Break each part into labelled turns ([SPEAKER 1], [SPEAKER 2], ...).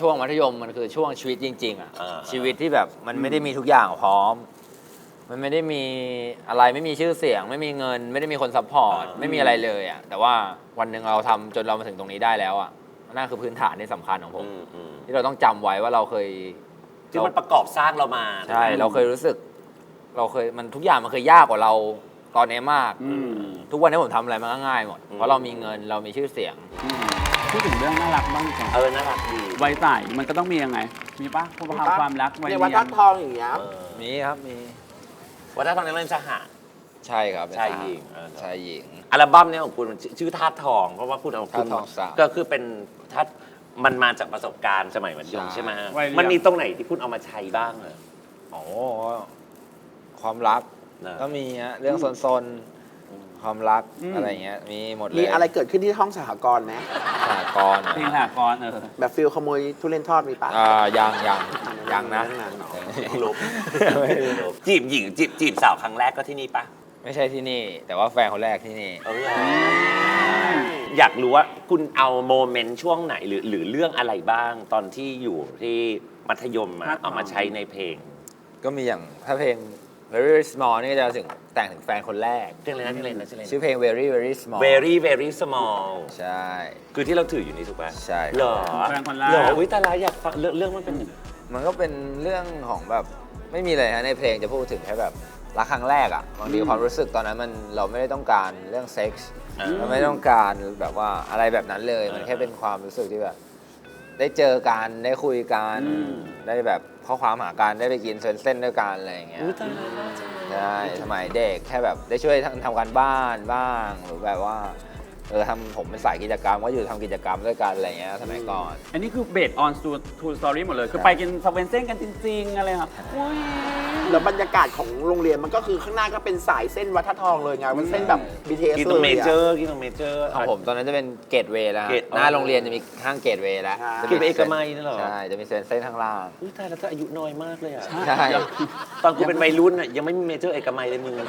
[SPEAKER 1] ช่วงมัธยมมันคือช่วงชีวิตจริงๆอ่ะชีวิตที่แบบมันไม่ได้มีทุกอย่างพร้อมมันไม่ได้มีอะไรไม่มีชื่อเสียงไม่มีเงินไม่ได้มีคนซัพพอร์ตไม่มีอะไรเลยอ่ะแต่ว่าวันหนึ่งเราทำจนเรามาถึงตรงนี้ได้แล้วอ่ะนั่นคือพื้นฐานที่สำคัญของผมที่เราต้องจำไว้ว่าเราเคย
[SPEAKER 2] ที่มันประกอบสร้างเรามา
[SPEAKER 1] ใช่เราเคยรู้สึกเราเคยมันทุกอย่างมันเคยยากกว่าเราตอนนี้มากทุกวันนี้ผมทำอะไรมันก็ง่ายหมดเพราะเรามีเงินเรามีชื่อเสียง
[SPEAKER 3] พูดถึงเรื่องน่ารักบ้างดีกว่า
[SPEAKER 2] น่ารักดี
[SPEAKER 3] วัยใสมันก็ต้องมียังไงมีปะความรักวัยเรียน
[SPEAKER 4] วัดทัดทองอย่างเงี้ย
[SPEAKER 1] มีครับมี
[SPEAKER 2] วัดทัดทองนี่เล่นสหะ
[SPEAKER 1] ใช่ครับ
[SPEAKER 2] ชายหญิง
[SPEAKER 1] ชายหญิง
[SPEAKER 2] อัลบั้มนี้ของคุณชื่อธาตุทองเพราะว่าคุณเอา
[SPEAKER 1] ธาตุทองสาม
[SPEAKER 2] ก็คือเป็นธาตุมันมาจากประสบการณ์สมัยมัธยมใช่ไหมมันมีตรงไหนที่คุณเอามาใช้บ้างเลย
[SPEAKER 1] โอ้ความรักก็มีฮะเรื่องซนความรักอะไรเงี้ยมีหมดเลย
[SPEAKER 4] มีอะไรเกิดขึ้นที่ห้องสหกรณ์ไหม
[SPEAKER 1] สหกรณ์
[SPEAKER 3] เพลงสหกรณ์
[SPEAKER 4] แบบฟิลขโมยทุเรียนทอดมีปะ
[SPEAKER 1] ยังนะ
[SPEAKER 2] ลบจีบหญิงจีบสาวครั้งแรกก็ที่นี่ปะ
[SPEAKER 1] ไม่ใช่ที่นี่แต่ว่าแฟนคนแรกที่นี่
[SPEAKER 2] อยากรู้ว่าคุณเอาโมเมนต์ช่วงไหนหรือเรื่องอะไรบ้างตอนที่อยู่ที่มัธยมเอามาใช้ในเพลง
[SPEAKER 1] ก็มีอย่างถ้าเพลง very small นี่จะถึงแต่งถึงแฟนคนแรก
[SPEAKER 2] เพลงอะไรนะ
[SPEAKER 1] ชื่อเพลง very very small
[SPEAKER 2] very small
[SPEAKER 1] ใช่
[SPEAKER 2] คือที่เราถืออยู่นี่ถูกป่ะ
[SPEAKER 1] ใช่
[SPEAKER 2] เหรอ
[SPEAKER 3] แฟนคนแรก
[SPEAKER 2] เหรอวิตาลาอยากฟังเรื่องมันเป็น
[SPEAKER 1] มันก็เป็นเรื่องของแบบไม่มีเลยฮะในเพลงจะพูดถึงแค่แบบรักครั้งแรกอ่ะบางทีความรู้สึกตอนนั้นเราไม่ได้ต้องการเรื่องเซ็กส์เราไม่ต้องการแบบว่าอะไรแบบนั้นเลยมันแค่เป็นความรู้สึกที่แบบได้เจอกันได้คุยกันได้แบบข้อความหากันได้ไปกินเส้นด้วยกันอะไรอย่างเงี้ยใช่สมัยเด็กแค่แบบได้ช่วยทำการบ้านบ้างหรือแบบว่าผมเป็นสายกิจกรรมก็อยู่ทำกิจกรรมด้วยกันอะไรเงี้ยสมัยก่อน
[SPEAKER 3] อันนี้คือเบสออนทูสตอรี่หมดเลยคือไปกินสเวนเซ่นกันจริงๆอะไรครับ
[SPEAKER 4] แล้วบรรยากาศของโรงเรียนมันก็คือข้างหน้าก็เป็นสายเส้นวัดทัดทองเลยไงมันเส้นแบบ BTS
[SPEAKER 2] กินตรงเมเจอร์
[SPEAKER 1] ของผมตอนนั้นจะเป็นเกตเวย์แล้วหน้าโรงเรียนจะมีห้างเกตเวย์แล้ว
[SPEAKER 2] กินไปเอกมัยนั่นหรอ
[SPEAKER 1] ใช่จะมีเส้นข้างล่าง
[SPEAKER 2] อุ้ยตายแล้วเธออายุน้อยมากเลยอ่ะ
[SPEAKER 1] ใช่
[SPEAKER 2] ตอนกูเป็นวัยรุ่นอ่ะยังไม่มีเมเจอร์เอกมัยเลยมึง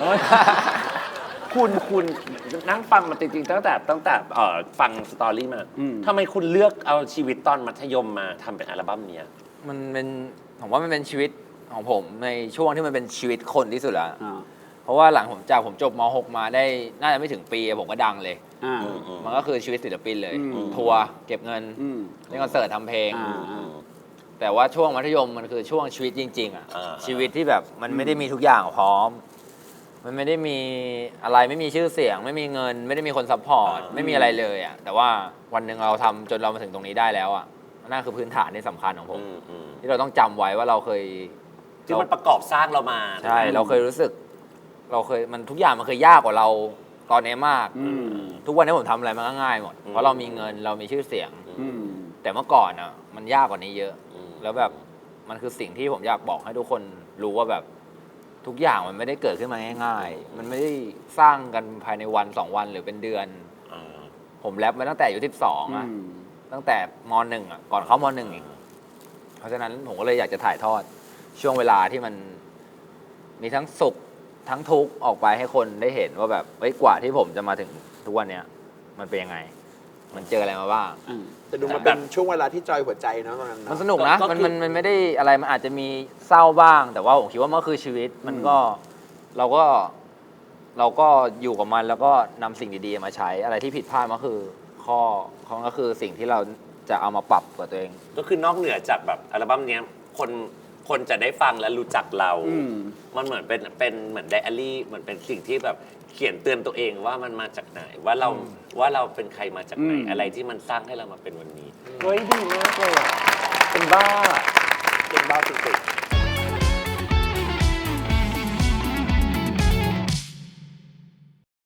[SPEAKER 2] คุณนั่งฟังมาจริงๆตั้งแต่ฟังสตอรี่มาทำไมคุณเลือกเอาชีวิตตอนมัธยมมาทำเป็นอัลบั้มนี้
[SPEAKER 1] มันเป็นผมว่ามันเป็นชีวิตของผมในช่วงที่มันเป็นชีวิตคนที่สุดแล้วเพราะว่าหลังผมจบม.6 มาได้น่าจะไม่ถึงปีผมก็ดังเลยมันก็คือชีวิตศิลปินเลยทัวร์เก็บเงินเล่นคอนเสิร์ตทำเพลงแต่ว่าช่วงมัธยมมันคือช่วงชีวิตจริงๆอ่ะชีวิตที่แบบมันไม่ได้มีทุกอย่างพร้อมมันไม่ได้มีอะไรไม่มีชื่อเสียงไม่มีเงินไม่ได้มีคนซัพพอร์ตไม่มีอะไรเลยอ่ะแต่ว่าวันหนึ่งเราทำจนเรามาถึงตรงนี้ได้แล้วอ่ะนั่นคือพื้นฐานที่สำคัญของผมที่เราต้องจำไว้ว่าเราเคย
[SPEAKER 2] ที่มันประกอบสร้างเรามา
[SPEAKER 1] ใช่เราเคยรู้สึกมันทุกอย่างมันเคยยากกว่าเราตอนนี้มากทุกวันนี้ผมทำอะไรมันก็ง่ายหมดเพราะเรามีเงินเรามีชื่อเสียงแต่เมื่อก่อนอ่ะมันยากกว่านี้เยอะแล้วแบบมันคือสิ่งที่ผมอยากบอกให้ทุกคนรู้ว่าแบบทุกอย่างมันไม่ได้เกิดขึ้นมาง่ายๆมันไม่ได้สร้างกันภายในวัน2 วันหรือเป็นเดือนผมแรปมาตั้งแต่อายุ12อ่ะตั้งแต่ม.1อ่ะก่อนเข้าม.1อีกเพราะฉะนั้นผมก็เลยอยากจะถ่ายทอดช่วงเวลาที่มันมีทั้งสุขทั้งทุกข์ออกไปให้คนได้เห็นว่าแบบกว่าที่ผมจะมาถึงทุกวันเนี้ยมันเป็นยังไงมันเจออะไรมาบ้าง
[SPEAKER 4] จะดูมันเป็นช่วงเวลาที่จอยหัวใจเนาะตอนนั้น
[SPEAKER 1] มันสนุกนะมันไม่ได้อะไรมันอาจจะมีเศร้าบ้างแต่ว่าผมคิดว่ามันคือชีวิตมันก็เราก็อยู่กับมันแล้วก็นำสิ่งดีๆมาใช้อะไรที่ผิดพลาดมันคือข้อก็คือสิ่งที่เราจะเอามาปรับกับตัวเอง
[SPEAKER 2] ก็คือนอกเหนือจากแบบอัลบั้มนี้คนจะได้ฟังและรู้จักเรามันเหมือนเป็นเหมือนไดอารี่เหมือนเป็นสิ่งที่แบบเขียนเตือนตัวเองว่ามันมาจากไหนว่าเราเป็นใครมาจากไหนอะไรที่มันสร้างให้เรามาเป็นวันนี้เฮ้ยดีมากเลยเป็นบ้าสุดๆ